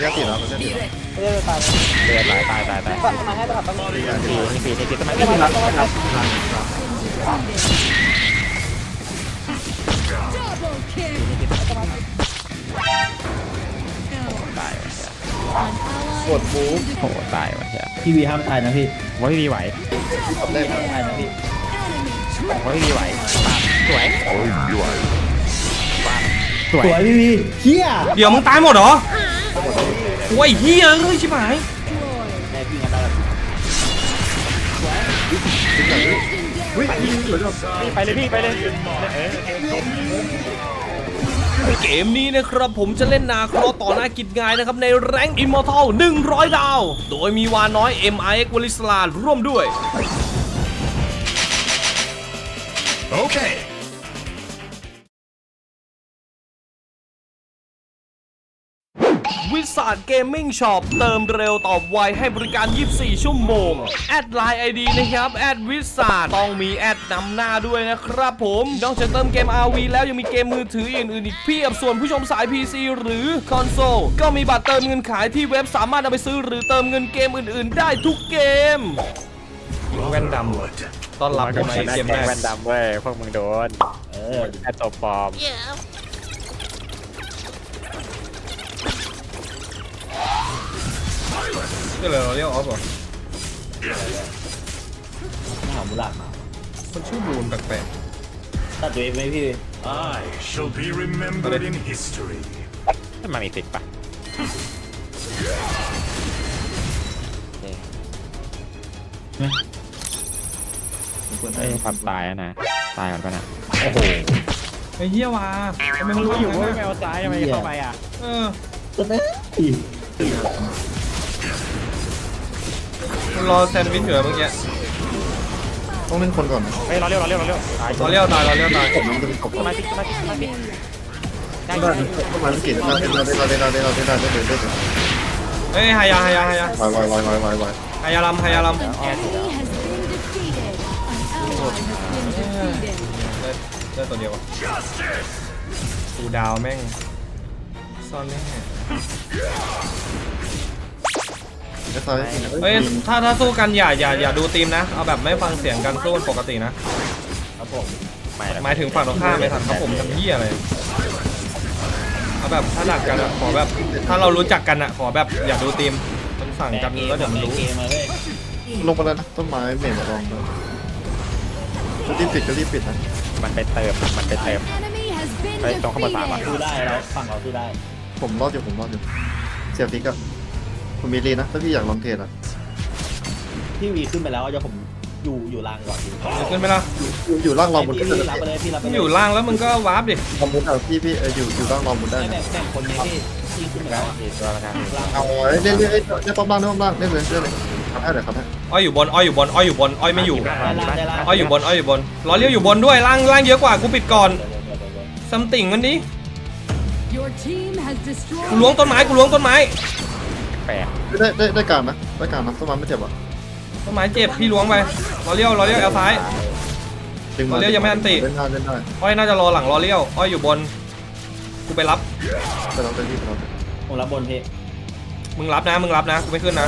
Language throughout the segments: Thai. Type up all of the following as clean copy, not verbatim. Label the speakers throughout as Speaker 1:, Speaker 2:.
Speaker 1: เรียกติดแล้วเรียกติดแล้ว
Speaker 2: ไม่ได้ตาย
Speaker 3: เดือดตาย
Speaker 2: ปัดมาให้ปัดต้องมี
Speaker 3: นี่ทำไม
Speaker 2: ไม่
Speaker 3: ไม่
Speaker 2: ได้
Speaker 3: รั
Speaker 2: ปั
Speaker 3: บ
Speaker 2: ดต้องมา
Speaker 3: ตายว่ะ
Speaker 1: กดบู๊
Speaker 3: โหตายว่ะ
Speaker 4: พี่วีห้ามตายนะพี่
Speaker 3: ว่าพี่ไหว
Speaker 1: ทำได้ไหม
Speaker 4: ตายนะพี่
Speaker 3: ว่าพี่ไหวสวยส
Speaker 4: ส
Speaker 3: ว
Speaker 4: วย ยพี่วีเฮีย
Speaker 5: เดี๋ยวมึงตายหมดเหรอโอ้ยเฮียเอ้ยชิบหาย
Speaker 4: แม่พี่งั้นได้แล้ว
Speaker 1: วิ่งสวยจัง
Speaker 3: ไปเลยพี่ไปเลย
Speaker 5: เกมนี้นะครับผมจะเล่นนาครอต่อหน้ากิจงายนะครับในแรงอิมมอร์ทัล100 ดาว โดยมีวาน้อย MIX วลิสลาร่วมด้วย
Speaker 6: Okay.
Speaker 5: วิสาดเกมมิ่งช็อปเติมเร็วตอบไวให้บริการ 24 ชั่วโมง แอดไลน์ ID นะครับ แอดวิสาดต้องมีแอดนำหน้าด้วยนะครับผมนอกจากเติมเกม RV แล้วยังมีเกมมือถืออื่นๆอีกเพียบส่วนผู้ชมสาย PC หรือคอนโซลก็มีบัตรเติมเงินขายที่เว็บสามารถเอาไปซื้อหรือเติมเงินเกมอื่นๆได้ทุกเกมแว่นดำต้อนรับ
Speaker 3: ก็
Speaker 5: ใน
Speaker 3: ชนะ
Speaker 5: เกม
Speaker 3: แก
Speaker 5: แรง ก
Speaker 3: แว่นดำเว้ยพวกมึงโดนแอตโตปอม
Speaker 5: ก็เลยเราเรียกออฟเหรอ
Speaker 4: หามูลาดมา
Speaker 5: มันชื่อบูนแปลก
Speaker 4: ตัดตัวเองไหมพี่
Speaker 6: I shall be remembered in history.
Speaker 3: ถ้ามันมีติดปะไอ้ความตายนะตายก่อนป่ะนะโอ้โห
Speaker 5: ๆไอ้เหี้ยว่ะทำไมมัน
Speaker 3: รู้
Speaker 5: รู้
Speaker 3: อ
Speaker 5: อยู่ ยู่
Speaker 3: ว่า
Speaker 5: ว่า
Speaker 3: แมวซ้ายทำไมเข้าไปอ่ะ
Speaker 5: เออ
Speaker 4: ตัวนี้
Speaker 5: มันรอแซนด์วิชอยู่เมื่อกี้
Speaker 1: ต้องเล่นคนก่อนนะ
Speaker 3: เฮ้ยเราเร็วตาย
Speaker 5: เราเลี้ยวตายเราเลี้ยวตาย
Speaker 1: ผมมันเป็นกบ
Speaker 3: สมาธิได้
Speaker 1: ต้องมาสกิลเราเล่นได้เลย
Speaker 5: เฮ้ยหายา
Speaker 1: วาย
Speaker 5: หายาลำได้ตัวเดียวอะกูดาวแม่งซ่อนแน่
Speaker 1: ไม่ซ้าย
Speaker 5: เฮ้ยถ้าสู้กันอย่าดูทีมนะเอาแบบไม่ฟังเสียงกันสู้ปกตินะครับ
Speaker 4: ผม
Speaker 5: หมายถึงฝั่งตรงข้ามไม่ทันครับผมทำเหี้ยอะไรเอาแบบถ้าดักกันอะขอแบบถ้าเรารู้จักกันอะขอแบบอย่าดูทีมมันสั่งกันแล้วเดี๋ยวมันรู้
Speaker 4: เกมมาเว้ย
Speaker 1: ลงไปแล้วนะต้นไม้เมนลองเลยก็รีบปิดนะ
Speaker 3: มันไปเติมไปตรงข้างบนสามอ่ะ
Speaker 4: สู้ได้แล้วฝั่งเราสู้ได้
Speaker 1: ผมรอดอยู่เสียฟิกอะผมมีรีนะถ้าพี่อยากลองเทรดอะ
Speaker 4: พี่วีขึ้นไปแล้วเดี๋ยวผมอยู่ล่างก่อน
Speaker 5: ขึ้นไหมล่ะ
Speaker 1: อยู่ล่างรองบน
Speaker 4: พี่รับไปเลยพี่รับไป
Speaker 5: มึง
Speaker 4: เลย
Speaker 5: อยู่ล่างแล้วมึงก็วาร์ปดิ
Speaker 1: รองบนอะพี่อยู่ล่างรองบนได้
Speaker 4: แบ่งคนนี้พี่ขึ้นไปแล้ว
Speaker 3: ตัวละกัน
Speaker 1: เอาเล่นป้อมล่างเล่นเลยทำให้เลย
Speaker 5: อ้อยอยู่บนอ้อยไม่อยู่
Speaker 4: ได้ล่าง
Speaker 5: อ้อยอยู่บนรอเลี้ยวอยู่บนด้วยล่างเยอะกว่ากูปิดก่อนซัมติ่งมันนี้กูล้วงต้นไม้
Speaker 3: แปลก
Speaker 1: ได้การนะต้นไม้ไม่เจ็บอ่ะ
Speaker 5: ต้นไม้เจ็บพี่ล้วงไปรอเลี้ยวแอลซ้ายรอเลี้ยวยังไม่อันติ
Speaker 1: เล่นได้
Speaker 5: อ้อยน่าจะรอหลังรอเลี้ยวอ้อยอยู่บนกูไปรับ
Speaker 1: ไปเราไปที่เรา
Speaker 4: ผมรับบนพี่
Speaker 5: มึงรับนะกูไม่ขึ้นนะ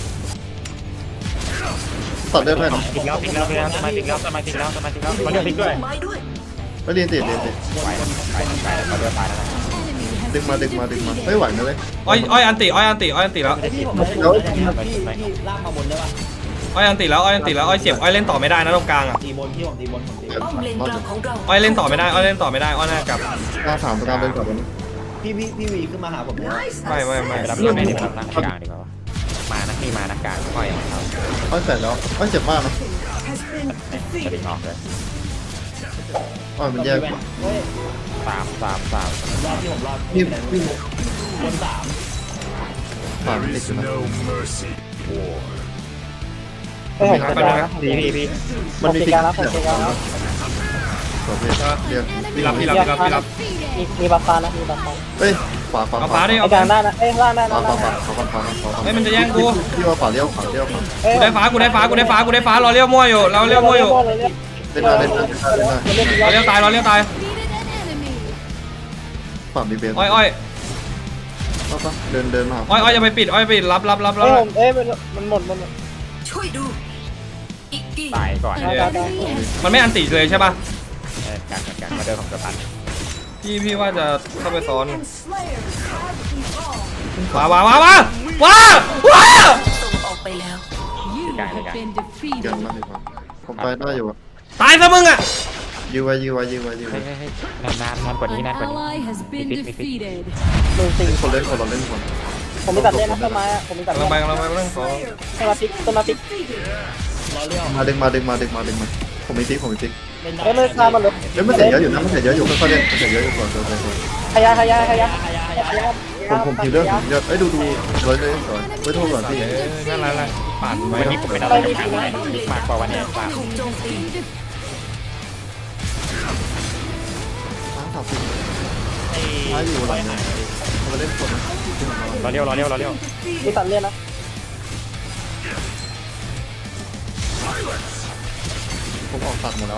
Speaker 1: ตัดได้ไหม
Speaker 3: ติดแล้วสมาธิแล้วมันเรียกติดด้วย
Speaker 1: ไม่เรียนติด
Speaker 3: ไปเราเดือดตายแล้ว
Speaker 1: ดึงมาไม่ไหวนะเว้ย
Speaker 5: อ้อยอันติแล้ว
Speaker 4: พี่ผมพี่ล่างมาบนได้ป่ะ
Speaker 5: อ้อยอันติแล้วอ้อยเจ็บอ้อยเล่นต่อไม่ได้นะตรงกลางอ่ะ
Speaker 4: ตีบนพี่ผมตีบน
Speaker 6: ป้อมเลนกลางของเรา
Speaker 5: อ้อยเล่นต่อไม่ได้อ้อยน่ากลับ
Speaker 1: หน้าถามการเล่นก่อนนี้
Speaker 4: พี่วีขึ้นมาหาผม
Speaker 5: ไม่
Speaker 3: ไปรับแม่ดีกว่ารับกลางดีกว่ามานักนี่มานักกลางค่อยของเขา
Speaker 1: อ้อยเสร็จแล้วอ้อยเจ็บมากนะ
Speaker 3: สลิงออกเลย
Speaker 1: อ้อยมันแย่
Speaker 4: เฮ้ย
Speaker 3: สาม
Speaker 4: รอดที่ผมรอด
Speaker 1: นี่
Speaker 4: บน3
Speaker 1: สาม
Speaker 6: There
Speaker 1: ติด
Speaker 6: is
Speaker 1: อยู่นะ
Speaker 6: no mercy. War.
Speaker 2: ไม่ผมจัดการแล้ว
Speaker 3: พี่
Speaker 1: มันมี
Speaker 2: จัดการแล้วผมจัดการแล้ว
Speaker 1: ประเภทเรียก
Speaker 5: พี่รับ
Speaker 2: มีบัฟฟ้านะมีบัฟฟ้า
Speaker 1: เฮ้ยขวา
Speaker 5: เอาฟ้าดิ
Speaker 2: ไอ้กลางได้นะเอ้ยล่างได้นะ
Speaker 5: เฮ้ยมันจะแย่งกู
Speaker 1: พี่ว่าขวาเลี้ยว
Speaker 5: กูได้ฟ้ารอเลี้ยวมั่วอยู่เราเลี้ยวมั่วอยู่
Speaker 1: เล่นได้
Speaker 5: รอเลี้ยวตาย
Speaker 1: ฝั่งมีเบน
Speaker 5: อ้อย
Speaker 1: ปะเดินมา
Speaker 5: อ้อยอย่าไปปิดอ้อยไปปิดรับ
Speaker 2: เอ้ยผมเอ้ยมันหมด
Speaker 6: ช่วยดูอีกกี่
Speaker 3: ตายก่อน
Speaker 2: ได้
Speaker 5: มันไม่อันติเลยใช่ป่ะ
Speaker 3: การมาเดินของสะพาน
Speaker 5: พี่ว่าจะเข้าไปซ้อน
Speaker 6: and slayers have evolved
Speaker 5: ว้า
Speaker 6: ส่งออกไปแล้ว
Speaker 7: You have been
Speaker 1: เกิน
Speaker 7: defeated.
Speaker 1: มาดีกว่าผมไปได้อยู่
Speaker 5: ตายซะมึงอ่ะ
Speaker 1: ยื้อไว้
Speaker 3: เฮ้ยนานกว่านี้
Speaker 7: An
Speaker 3: นานกว่านี้
Speaker 7: ally has been defeated.
Speaker 2: ดูสิ
Speaker 1: คนเล่นคนเราเล่นคน
Speaker 2: ผมมีตัดเล่นนะต้นไม้อะผมมีตัด
Speaker 5: กำลั
Speaker 2: เล่
Speaker 5: ง
Speaker 2: น
Speaker 5: ไปเรื่องขอ
Speaker 2: ต้นมาพริกต้นมาพริก
Speaker 4: รอเลี้ยว
Speaker 1: มาดึงมาผมมีติ๊ก
Speaker 4: เล่นได้
Speaker 2: เอ้ยเลยคามันเลย
Speaker 1: เฮ้ยมันเสียเยอะอยู่นะมันเสียเยอะอยู่ค่อยๆเล่นมันเสียเยอะอยู่ก่อน
Speaker 2: ขยาย
Speaker 1: ผมคิวเรื่องเยอะเอ้ยดูเลยก่อนไว้โทษก่อนพี่
Speaker 5: นั่นอะไรปั่นไว้
Speaker 3: วันนี้ผมเป็นอะไรกันมากกว่าวันนี้
Speaker 6: ถูกโจมตี
Speaker 1: ฟ้าสับสิฟ้าอยู่หลังเนี่ยมาเล่นคนนะ
Speaker 3: รอเลี้ยว
Speaker 2: มีตัดเล่นนะ
Speaker 1: ผมออกตัดหมดแล้ว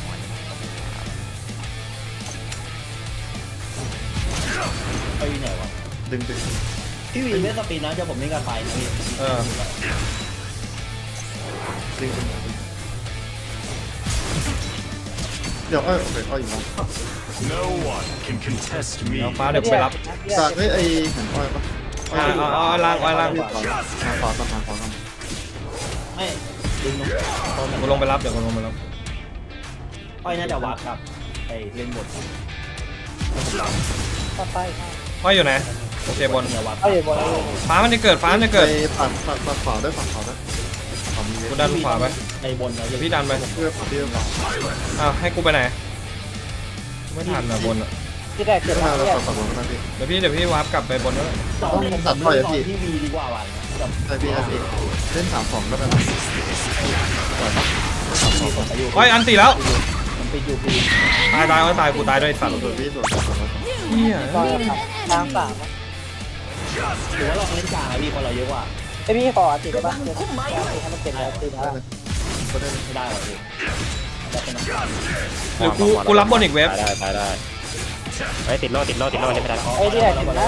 Speaker 4: ไปไหนวะ
Speaker 1: ดึง
Speaker 4: พี่วีเล่นสปีนนะเดี๋ยวผมเล่นกับไฟนะพี่
Speaker 1: เดี๋ยวโอเคอยู่นะ
Speaker 6: No one can contest me
Speaker 5: เดี๋ยวฟ้าเดี๋ยวไปรับ
Speaker 1: จากไอ้เห็นอ้อยปะ
Speaker 5: ล่าง
Speaker 1: มาขวากัน
Speaker 4: ไม่ดึงลง
Speaker 5: กูลงไปรับเดี๋ยวกูลงไปรับ
Speaker 4: อ้อยน่าจะวัดครับไอเล่นบท
Speaker 2: ต่อไป
Speaker 5: อ้อยอยู่ไหนโอเคบน
Speaker 4: อย่าวัด
Speaker 2: เอาอยู่บน
Speaker 5: ฟ้ามันจะเกิด
Speaker 1: ไปปัดขวาด้วยขวามี
Speaker 5: กูดันขวาไป
Speaker 4: ในบนนะ
Speaker 5: เดี๋ยวพี่ดันไป
Speaker 1: เพื่อเพื่อ
Speaker 5: อ้าวให้กูไปไหนไม่ทันอ่ะบนอ่ะ
Speaker 2: ที่แรกเกิด
Speaker 1: มา
Speaker 2: มา
Speaker 1: แล้ว
Speaker 2: เนี่ย
Speaker 1: ปัดบอลนะพี่
Speaker 5: เดี๋ยวพี่วาร์ปกลับไปบนแล้ว
Speaker 4: ที่วีดีกว่าวันกับ
Speaker 1: ไอพี่เล่น3-2ก็ได้นะ
Speaker 4: มีคนอายุ
Speaker 5: อ้อยอันติแล้ว
Speaker 4: มันไปอยู่ปี
Speaker 5: ตายกูตายด้วยสัตว์
Speaker 1: ส่วนพี่ส่วน
Speaker 5: เฮีย
Speaker 2: ตอนครับทางสาม
Speaker 4: หรือว่าเราเล่นกลางอะพี่คนเราเยอะกว่า
Speaker 2: ไอพี่ขอติดได้ปะให้มันเต็มแล้วติดแล้ว
Speaker 1: ก็ได้
Speaker 4: ไม่ได้หรอพี่จะเป็น
Speaker 5: หรือกูรับบนอีกเว็บ
Speaker 3: ได้เฮ้ยติดโล่เล่นไม่ได้
Speaker 2: ไอ้ที่แรกติดแล้ว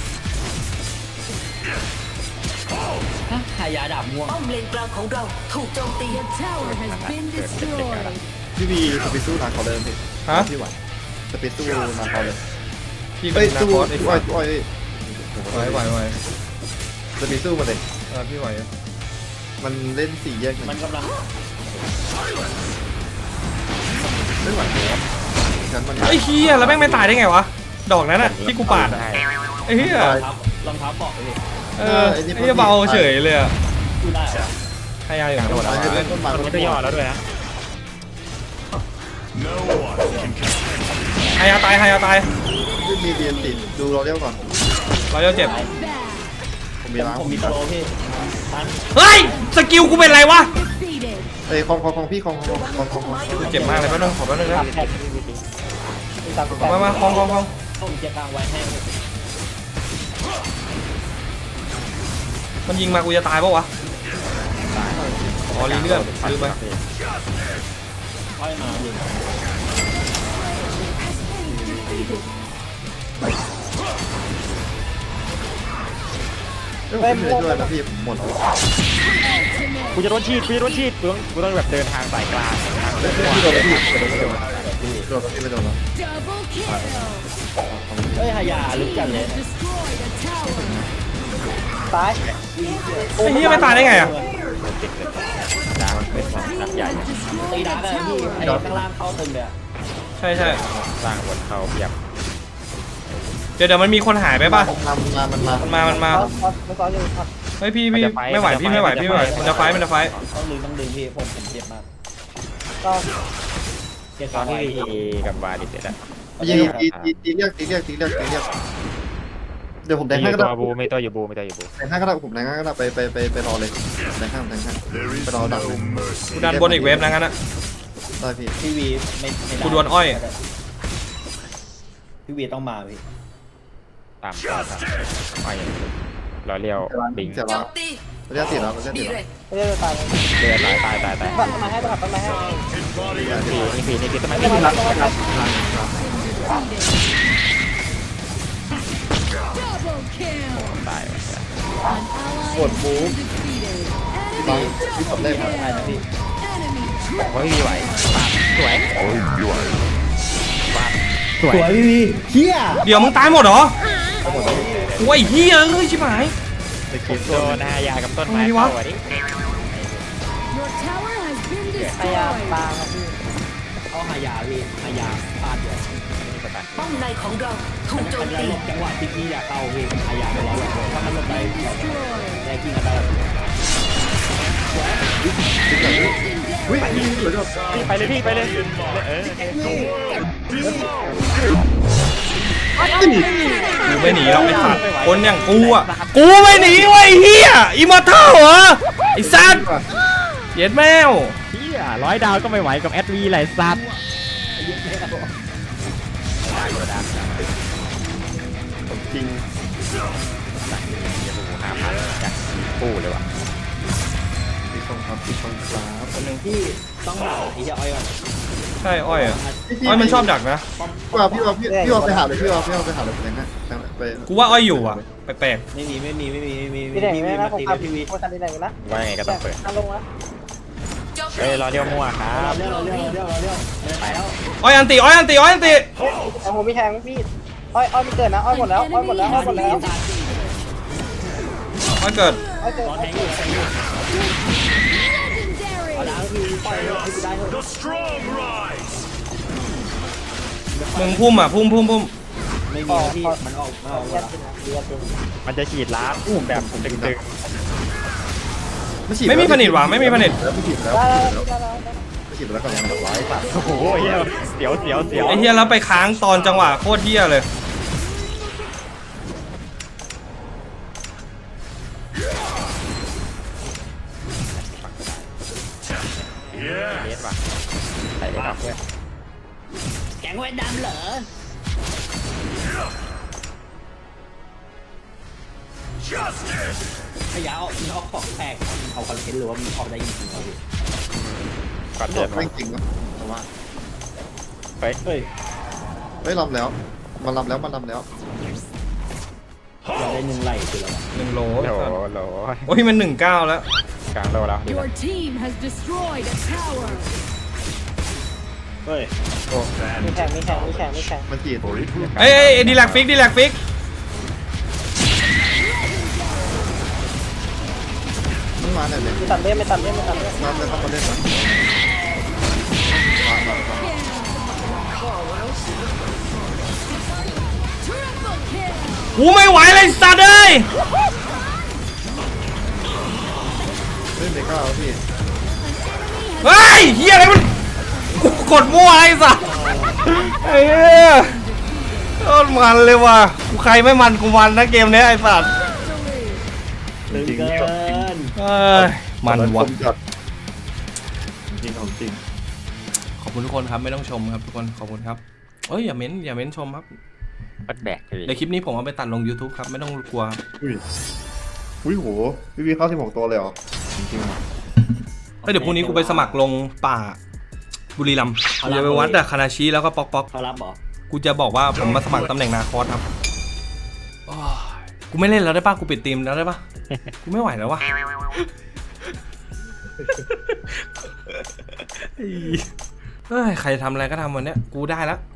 Speaker 4: หายาดาบม่วง
Speaker 6: ป้อมเลนกลางของเราถูกโจมตี
Speaker 7: Your tower has been destroyed.
Speaker 1: พี่บีสปีสู้นาเขาเลยพี่
Speaker 5: ฮะ
Speaker 1: พี่ไหวสปีสู้นาเขาเลย
Speaker 5: พี่เป็
Speaker 1: เฮ้ย
Speaker 5: นนา
Speaker 1: สู้
Speaker 5: คอสไอ้
Speaker 1: อ้
Speaker 5: สั
Speaker 1: อย
Speaker 5: ตว์
Speaker 1: อ้อย
Speaker 5: ไหว
Speaker 1: สปีสู้มาเลย
Speaker 5: พี่ไหว
Speaker 1: มันเล่น4แยก
Speaker 4: มันกำลัง
Speaker 1: ไม่ไหวครับฉันมัน
Speaker 5: ไอ้เฮียแล้วแม่งไม่ตายได้ไงวะดอกนั้นอ่ะที่กูปาดไอ้เฮีย
Speaker 4: รองเท้าเกาะเลย
Speaker 5: ไอ้เฮียเบาเฉยเลยอ่ะ
Speaker 4: ดูได้เหรอ
Speaker 5: พยายามอยู่
Speaker 1: โดนอะไรเล่นต้นไม้
Speaker 3: มันก็ย่อแล้วด้วยนะ
Speaker 6: No one can contest
Speaker 5: พยายามตาย
Speaker 1: ไม่มีเบียนติดดูเราเรียกก่อน
Speaker 5: เราจะเจ็บ
Speaker 1: ผมมีล้าง
Speaker 4: ผมมีโปรพี่ทัน
Speaker 5: เฮ้ยสกิลกูเป็นไรวะ
Speaker 7: Defeated.
Speaker 1: เอ้ยของพี่ของ
Speaker 5: กูเจ็บมากเลยแป๊บนึงขอแป๊บนึงนะ
Speaker 2: แท็กมีสามสิบแปด
Speaker 5: มาคอง
Speaker 4: ผมจะกลางไว้ให้
Speaker 5: มันยิงมากูจะตายปะวะอ๋อรีเลื่อนลืมไป
Speaker 4: อ้อยมาอยู่
Speaker 1: ไม่ด้วยนะพี่ผมหมดแล้ว
Speaker 3: กูจะโดนฉีดกูต้องแบบเดินทางสายกลางทางเดิน
Speaker 1: พี่โดนพี่โดนพี่ไม่โดนแล้ว
Speaker 7: Double kill.
Speaker 4: เฮ้ยหายาลึกจัดเลย
Speaker 7: Destroyed a tower.
Speaker 2: ซ้าย
Speaker 5: ไอ้เฮียไม่ตายได้ไงอ่ะ
Speaker 3: ดังเป็นนักใหญ่
Speaker 4: ตีดาร์กอะพี่ไอ้ข้างล่างเข้าตึงเลยอะ
Speaker 5: ใช่
Speaker 3: สร้างบนเขาเพียบ
Speaker 5: เดี๋ยวมันมีคนหายไปป่ะ
Speaker 1: มันมา
Speaker 5: มันมา
Speaker 2: มันซ้อนอยู่ครับ
Speaker 5: เฮ้ยพี่ไม่ไหวมันจะไฟ
Speaker 4: ต้องดึงพี่ผมเจ็บมาก
Speaker 2: ก็
Speaker 4: เจ็บ
Speaker 3: ต
Speaker 4: ต
Speaker 3: อ
Speaker 4: อน น
Speaker 3: ที่
Speaker 4: ที่
Speaker 3: กับบาดิเสร็จอะ
Speaker 1: ยิงตีเรียกเดี๋ยวผมแดง
Speaker 3: มี
Speaker 1: ให้ก็
Speaker 3: ตั
Speaker 1: ได้
Speaker 3: วบูมีตัวอยู่บู
Speaker 1: แดงให้ก็ได้ผมแดงให้ก็ได้ไปรอเลยแดงให้
Speaker 6: There
Speaker 1: ไป
Speaker 6: is
Speaker 1: รอดัก
Speaker 6: no
Speaker 1: เลย
Speaker 6: mercy
Speaker 5: กูดันบนอีกเว็บนะงั้นอะ
Speaker 1: ได้พี่
Speaker 4: พี่วีไม่ได้
Speaker 5: กูดวลอ้อย
Speaker 4: พี่วีต้องมาพี่
Speaker 3: ตามไปรอเลี้ยวบิง
Speaker 1: เสีย
Speaker 6: โจ
Speaker 1: แล้ว
Speaker 6: มตี
Speaker 1: เรียกติดแล้วเรียกติด
Speaker 6: ดี
Speaker 1: แล้ว
Speaker 6: เร็ก
Speaker 2: ไม่ได้ตายเลย
Speaker 3: เดือดตาย
Speaker 2: ปัดต้นไม้ให้ปัดต้นไม้ให้
Speaker 3: นี่ทำไม
Speaker 2: ต้น
Speaker 3: ไม่
Speaker 2: ไม้
Speaker 3: รัก
Speaker 2: ต้นไม้
Speaker 7: Double kill.
Speaker 3: ตายว่ะ
Speaker 7: An ally has been defeated.
Speaker 1: บาง
Speaker 7: Enemy
Speaker 1: ที่ผมเล่นครับ
Speaker 7: enemy
Speaker 3: โอ้ยไหวสวย
Speaker 4: สวยพี่วีเฮีย
Speaker 5: เดี๋ยวมึงตายหมดเหรอโอ้ยเฮียเอ้ยชิบหาย
Speaker 1: ไปคิด
Speaker 3: โดนหายากับต้นไม้
Speaker 5: อะไรวะ
Speaker 3: เข้าอ่ะดิ
Speaker 7: Your tower has been
Speaker 2: พยายาม
Speaker 7: destroyed.
Speaker 2: บางครับพี่
Speaker 4: เอาหายาพี่หายาฟาดเดียว
Speaker 6: ป้อมในของเราถูกโจ
Speaker 4: มั
Speaker 6: ม
Speaker 4: นจะ
Speaker 6: ตี
Speaker 4: หลบจังหวะที่พี่อยากเข้าพี่หายาไปแล้วถ้ามันหลบได้
Speaker 7: Destroyed.
Speaker 4: แย่กิ้งกันได้
Speaker 1: วิ่งวิ่งสวยด้วย
Speaker 3: ไปเลยพี่ไปเลย
Speaker 5: กูไม่หนีหรอกไอ้สัตว์คนอย่างกูอ่ะกูไม่หนีเว้ยเฮียอิมมอร์ทัลเหรอไอ้สัตว์เย็ดแมว
Speaker 3: พี่100 ดาวก็ไม่ไหวกับแอดวีไรสัตว์
Speaker 1: จริง
Speaker 3: 5,000จากปูเลยว่ะ
Speaker 1: พี่ชมครับพี่ชมครับ
Speaker 4: คนหนึ่งที่ต้องหาไอ้เหี้ยอ้อยก่อน
Speaker 5: ใช่อ้อยอ่ะอ้อยมันชอบดักนะ
Speaker 1: พี่ว่าไปหาเลยพี่ว่าไปหาเลยอย่างนั้นไป
Speaker 5: กูว่าอ้อยอยู่อ่ะแปลก
Speaker 4: ไม่มี
Speaker 2: พี่แดงไม่นะ
Speaker 4: มา
Speaker 2: ผม
Speaker 4: ตี
Speaker 2: ขับ
Speaker 4: พี่วี
Speaker 2: ผมขับที่ไหนนะ
Speaker 3: ว่าไงก็ต้องเปิด
Speaker 2: ลงแล้ว
Speaker 3: เฮ้ยรอเดียวมั่วครับ
Speaker 4: เร็วไปแล้ว
Speaker 5: ๆอ้อยอันติอ้อยอันติอ้อยอันติ
Speaker 2: แต่ผมมีแทงพี่อ้อยมีเกิดนะอ้อยหมดแล้วอ้อยหมดแล้วอ้อยหมดแล้ว
Speaker 5: อ้อยเกิด
Speaker 2: อ้อยเกิด
Speaker 4: รอแทงอยู่เอา
Speaker 7: Legendary.
Speaker 4: ดาวพี่ปล่อยให้กูได้เถอะ
Speaker 6: The strong rise
Speaker 5: มึงพุ่มอ่ะพุ่ม
Speaker 4: ไม่มีพี่มันออกหม
Speaker 2: เรีย
Speaker 4: ด
Speaker 2: นจริงนะเรียนจริง
Speaker 3: มันจะฉีดล้าแบบตึง
Speaker 5: ไม่มีผนิตว่ะไม่มีผนิต
Speaker 1: แล้วไม่ฉีดแล้ว
Speaker 2: ได้
Speaker 1: ไม่ฉีดแล้วก็ยังร้อยบาท
Speaker 3: ๆโอ้โหเสียว
Speaker 5: ไอ้เฮียแล้วไปค้างตอนจังหวะโคตรเฮียเลย
Speaker 3: เลสว่ะใส่เลสออกด้วย
Speaker 4: แกงไว้ดำเหรอ
Speaker 6: Justice
Speaker 4: พยาเอาของแตกเอาคอนเทนต์หรือว่ามันออกได้จริงๆครับพี่
Speaker 3: ก่อน
Speaker 1: บ
Speaker 3: เดิ
Speaker 1: อก
Speaker 3: น
Speaker 1: ไม่จริงนะแต่ว่า
Speaker 3: เฮ้ย
Speaker 4: เฮ้ย
Speaker 1: ไม่ลำแล้วมันลำแล้ว
Speaker 4: เราได้1ไหลคือแล้ว
Speaker 5: 1 โล
Speaker 3: โห
Speaker 5: โอ้ยมัน19แล้ว
Speaker 3: กลางโลแล้ว
Speaker 7: Your team has destroyed a tower.
Speaker 4: เฮ้ย
Speaker 2: มีแข่งมีแข่งมีแข่งมีแข่ง
Speaker 1: มันฉีด
Speaker 5: เอ้ยดีแลกฟิก
Speaker 1: มันมาไหนเลย
Speaker 2: ไม่ตัดเล่นไม่ตัดเล่นไม่ตัดเล่น
Speaker 1: มาเลยเข้ามาเล่นนะ
Speaker 7: Triple kill.
Speaker 5: กูไม่ไหวเลยสัตว์เอ้ย
Speaker 1: เล่นเมก้าพี่
Speaker 5: เฮ้ยเฮียอะไรมันกูกดมั่วไอ้สัตว์ไอ้เหี้ยโคตรมันเลยว่ะกูใครไม่มันกูมันนะเกมเนี้ยไอ้สัตว์
Speaker 4: ตึงเกิน
Speaker 5: เอ้ยมันว่ะ
Speaker 1: จริงของจริง
Speaker 5: ขอบคุณทุกคนครับไม่ต้องชมครับทุกคนขอบคุณครับเอ้ยอย่าเม้นชมครับ
Speaker 3: ปัดแบกเลย
Speaker 5: ในคลิปนี้ผมเอาไปตัดลง YouTube ครับไม่ต้องกลัวครับ
Speaker 1: อุ้ยโหพี่เข้า16ตัวเลยเหรอจริงๆ
Speaker 5: เฮ้ยเดี๋ยวพรุ่งนี้กูไปสมัครลงป่าบุรีรัมย์กูจะไปวัดอะคานาชิแล้วก็ป๊อก
Speaker 4: เขารับเหรอ
Speaker 5: กูจะบอกว่าผมมาสมัครตำแหน่งนาคอสครับโอ้ยกูไม่เล่นแล้วได้ป่ะกูปิดทีมแล้วได้ป่ะกูไม่ไหวแล้ววะเฮ้ยใครทำอะไรก็ทำวันเนี้ยกูได้แล้ว